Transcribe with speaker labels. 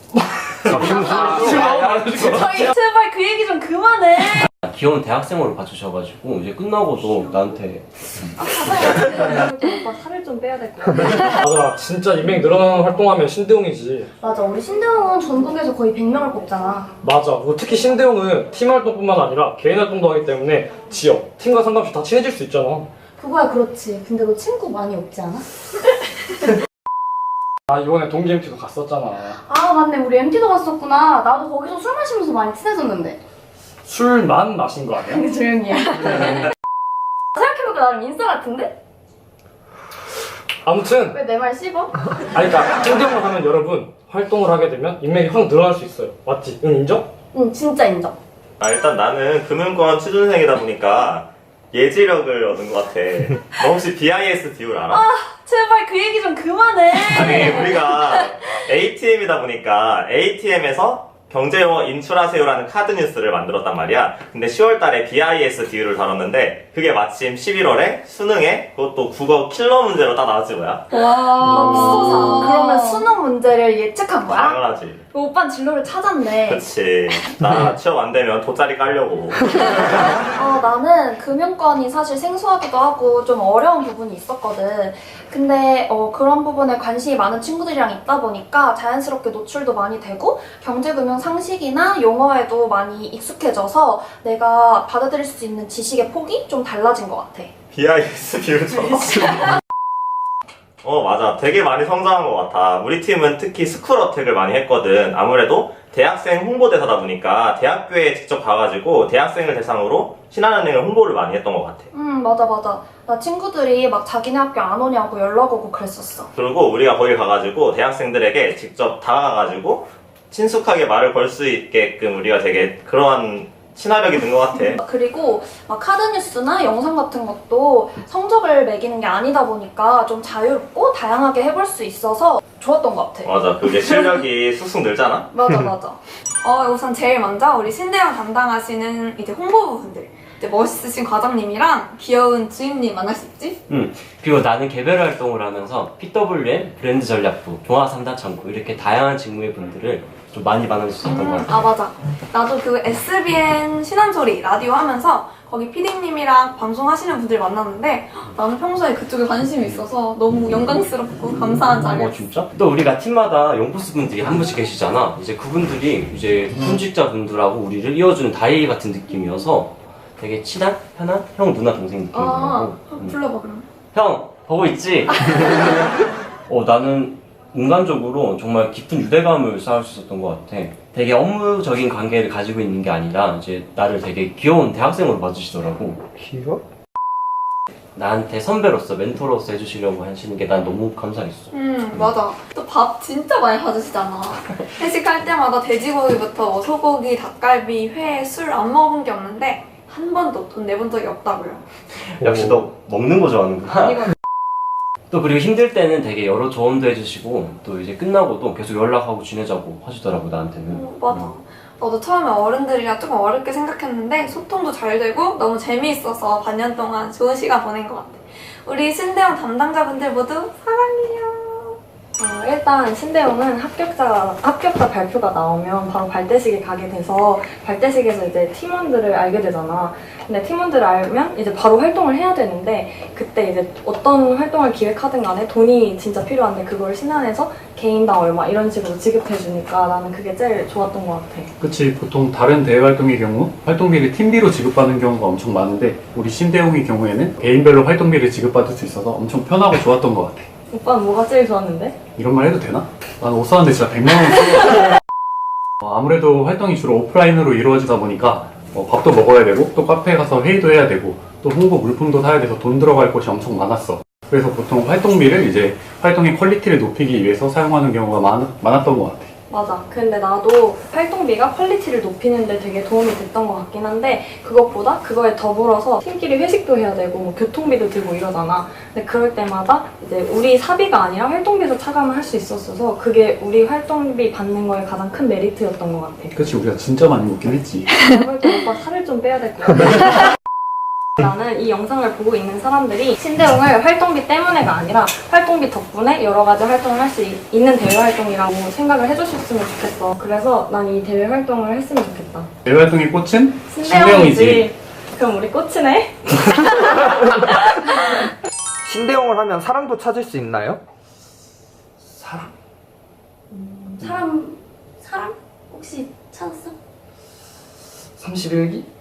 Speaker 1: 제발 그 얘기 좀 그만해.
Speaker 2: 귀여운 대학생으로 봐주셔가지고 이제 끝나고도 나한테
Speaker 1: 오빠 살을 좀 빼야 될 것 같아.
Speaker 3: 맞아, 진짜 인맥 늘어나는 활동하면 신대용이지.
Speaker 1: 맞아, 우리 신대웅은 전국에서 거의 100명을 뽑잖아.
Speaker 3: 맞아, 뭐 특히 신대용은 팀 활동뿐만 아니라 개인 활동도 하기 때문에 지역, 팀과 상관없이 다 친해질 수 있잖아.
Speaker 1: 그거야 그렇지. 근데 너 친구 많이 없지 않아?
Speaker 3: 아, 이번에 동기 MT도 갔었잖아.
Speaker 1: 아 맞네, 우리 MT도 갔었구나. 나도 거기서 술 마시면서 많이 친해졌는데.
Speaker 3: 술만 마신 거 아니야?
Speaker 1: 근데 조용히 해. 생각해보니까 나름 인싸 같은데?
Speaker 3: 아무튼
Speaker 1: 왜 내 말 씹어?
Speaker 3: 그러니까 신대용을 하면 여러분 활동을 하게 되면 인맥이 확 늘어날 수 있어요. 맞지? 응, 인정?
Speaker 1: 응, 진짜 인정.
Speaker 4: 일단 나는 금융권 취준생이다 보니까 예지력을 얻은 것 같아. 너 혹시 BIS 비율 알아?
Speaker 1: 제발 그 얘기 좀 그만해.
Speaker 4: 아니, 우리가 ATM이다 보니까 ATM에서 경제용어 인출하세요라는 카드 뉴스를 만들었단 말이야. 근데 10월 달에 BIS 비율을 다뤘는데 그게 마침 11월에 수능에 그것도 국어 킬러 문제로 딱 나왔지 뭐야?
Speaker 1: 와, 맙소사. 그러면 수능 문제를 예측한 거야?
Speaker 4: 당연하지.
Speaker 1: 오빠는 진로를 찾았네.
Speaker 4: 그치. 나 취업 안 되면 돗자리 깔려고.
Speaker 1: 나는 금융권이 사실 생소하기도 하고 좀 어려운 부분이 있었거든. 근데 그런 부분에 관심이 많은 친구들이랑 있다 보니까 자연스럽게 노출도 많이 되고 경제금융 상식이나 용어에도 많이 익숙해져서 내가 받아들일 수 있는 지식의 폭이 좀 달라진 것 같아.
Speaker 4: BIS 비율처럼. 맞아. 되게 많이 성장한 것 같아. 우리 팀은 특히 스쿨 어택을 많이 했거든. 아무래도 대학생 홍보대사다 보니까 대학교에 직접 가가지고 대학생을 대상으로 신한은행을 홍보를 많이 했던 것 같아.
Speaker 1: 맞아. 나 친구들이 막 자기네 학교 안 오냐고 연락 오고 그랬었어.
Speaker 4: 그리고 우리가 거기 가가지고 대학생들에게 직접 다가가가지고 친숙하게 말을 걸 수 있게끔 우리가 되게 그러한 친화력이 든 것 같아.
Speaker 1: 그리고 막 카드뉴스나 영상 같은 것도 성적을 매기는 게 아니다 보니까 좀 자유롭고 다양하게 해볼 수 있어서 좋았던 것 같아.
Speaker 4: 맞아. 그게 실력이 쑥쑥 늘잖아?
Speaker 1: 맞아.
Speaker 5: 우선 제일 먼저 우리 신대영 담당하시는 이제 홍보부분들, 이제 멋있으신 과장님이랑 귀여운 주임님 만날 수 있지?
Speaker 2: 그리고 나는 개별 활동을 하면서 PWM 브랜드 전략부, 종합 3단 창구 이렇게 다양한 직무의 분들을 좀 많이 만날 수 있었던 것 같아.
Speaker 5: 맞아. 나도 그 SBN 신한소리 라디오 하면서 거기 PD님이랑 방송하시는 분들 만났는데 나는 평소에 그쪽에 관심이 있어서 너무 영광스럽고 감사한 자리였어.
Speaker 2: 진짜? 또 우리가 팀마다 용포스 분들이 한 분씩 계시잖아. 이제 그분들이 이제 현직자 분들하고 우리를 이어주는 다이 같은 느낌이어서 되게 친한, 편한 형, 누나, 동생 느낌이 나고.
Speaker 5: 불러봐 그럼.
Speaker 2: 형, 보고 있지? 나는 인간적으로 정말 깊은 유대감을 쌓을 수 있었던 것 같아. 되게 업무적인 관계를 가지고 있는 게 아니라 이제 나를 되게 귀여운 대학생으로 봐주시더라고.
Speaker 3: 귀여워?
Speaker 2: 나한테 선배로서 멘토로서 해주시려고 하시는 게 난 너무 감사했어.
Speaker 5: 맞아. 또 밥 진짜 많이 사주시잖아. 회식할 때마다 돼지고기부터 뭐 소고기, 닭갈비, 회, 술 안 먹은 게 없는데 한 번도 돈 내본 적이 없다고요.
Speaker 2: 역시 너 먹는 거 좋아하는구나.
Speaker 5: 이거
Speaker 2: 또 그리고 힘들 때는 되게 여러 조언도 해주시고 또 이제 끝나고도 계속 연락하고 지내자고 하시더라고 나한테는.
Speaker 5: 맞아. 나도 처음에 어른들이랑 조금 어렵게 생각했는데 소통도 잘 되고 너무 재미있어서 반년 동안 좋은 시간 보낸 것 같아. 우리 신대영 담당자분들 모두 사랑해요.
Speaker 1: 일단 신대용은 합격자 발표가 나오면 바로 발대식에 가게 돼서 발대식에서 이제 팀원들을 알게 되잖아. 근데 팀원들을 알면 이제 바로 활동을 해야 되는데 그때 이제 어떤 활동을 기획하든 간에 돈이 진짜 필요한데 그걸 신한에서 개인당 얼마 이런 식으로 지급해주니까 나는 그게 제일 좋았던 것 같아.
Speaker 6: 그치, 보통 다른 대외 활동의 경우 활동비를 팀비로 지급받는 경우가 엄청 많은데 우리 신대용의 경우에는 개인별로 활동비를 지급받을 수 있어서 엄청 편하고 좋았던 것 같아.
Speaker 1: 오빠는 뭐가 제일 좋았는데?
Speaker 6: 이런 말 해도 되나? 난 옷 사는데 진짜 100만 원 쓰고 아무래도 활동이 주로 오프라인으로 이루어지다 보니까 밥도 먹어야 되고 또 카페에 가서 회의도 해야 되고 또 홍보 물품도 사야 돼서 돈 들어갈 곳이 엄청 많았어. 그래서 보통 활동비를 이제 활동의 퀄리티를 높이기 위해서 사용하는 경우가 많았던 것 같아.
Speaker 1: 맞아. 근데 나도 활동비가 퀄리티를 높이는 데 되게 도움이 됐던 것 같긴 한데 그것보다 그거에 더불어서 팀끼리 회식도 해야 되고 뭐 교통비도 들고 이러잖아. 근데 그럴 때마다 이제 우리 사비가 아니라 활동비에서 차감을 할 수 있었어서 그게 우리 활동비 받는 거에 가장 큰 메리트였던 것 같아.
Speaker 6: 그치, 우리가 진짜 많이 먹긴 했지.
Speaker 1: 그럴 때 오빠 살을 좀 빼야 될 것 같아. 나는 이 영상을 보고 있는 사람들이 신대용을 활동비 때문에가 아니라 활동비 덕분에 여러 가지 활동을 할 수 있는 대외 활동이라고 생각을 해주셨으면 좋겠어. 그래서 난 이 대외 활동을 했으면 좋겠다.
Speaker 6: 대외 활동의 꽃은
Speaker 1: 신대용이지. 그럼 우리 꽃이네?
Speaker 7: 신대용을 하면 사랑도 찾을 수 있나요?
Speaker 8: 사람 혹시 찾았어?
Speaker 7: 31기?